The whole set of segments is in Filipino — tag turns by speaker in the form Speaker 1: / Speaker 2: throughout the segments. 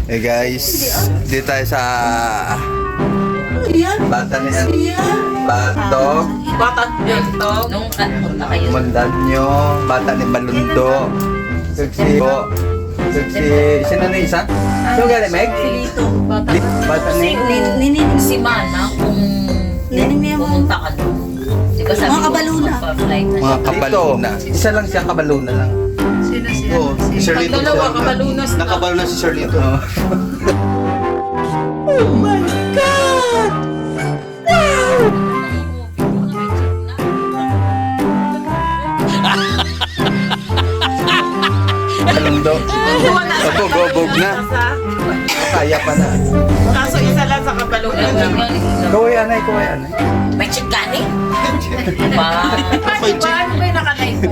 Speaker 1: Hey guys, dito tayo sa bata ni Batog,
Speaker 2: Nung punta kayo.
Speaker 1: Mandanyo, bata ni Balundo, sino na isa? Sino galing, Meg? Bata ni
Speaker 2: Si Mana, kung pumunta ka doon. Di ba sabi
Speaker 3: Mga
Speaker 2: ko,
Speaker 3: kabaluna.
Speaker 2: magpa-flight na
Speaker 1: mga kabaluna. Isa lang siya, kabaluna lang.
Speaker 4: Oo, si Sir Lito.
Speaker 5: Dalawa, kabalunas na.
Speaker 4: Nakabaluna si Sir Lito.
Speaker 1: Balundo. Sabog na. Kaya pa na.
Speaker 5: Kaso isa lang sa kabalunan.
Speaker 1: Kaway anay.
Speaker 2: May check gani? Ba?
Speaker 4: May check.
Speaker 5: Ano ba yung nakalay mo?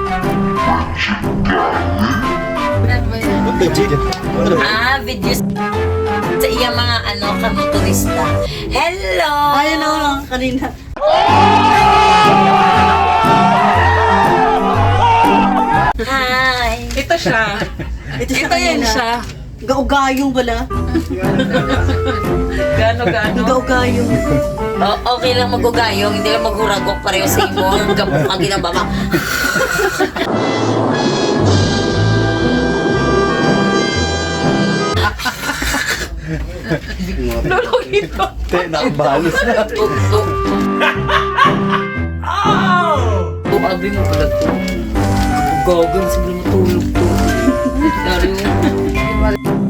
Speaker 4: May check.
Speaker 2: Videos sa iyang mga kamotorista. Hello!
Speaker 3: Ayun na lang kanina.
Speaker 2: Hi!
Speaker 5: Ito siya.
Speaker 3: Ito
Speaker 5: Ito yan
Speaker 3: kanina.
Speaker 5: siya.
Speaker 3: Gaugayong wala.
Speaker 5: Gano-gano.
Speaker 3: Gaugayong.
Speaker 2: Okay lang magugayong, hindi lang maghuragok pareho sa imo. Gamuk ang ginababa.
Speaker 5: Lulungin ko.
Speaker 1: Te, nakabalos na.
Speaker 2: Abi mo pala to. Gagawin siguro matulog to. Dari mo.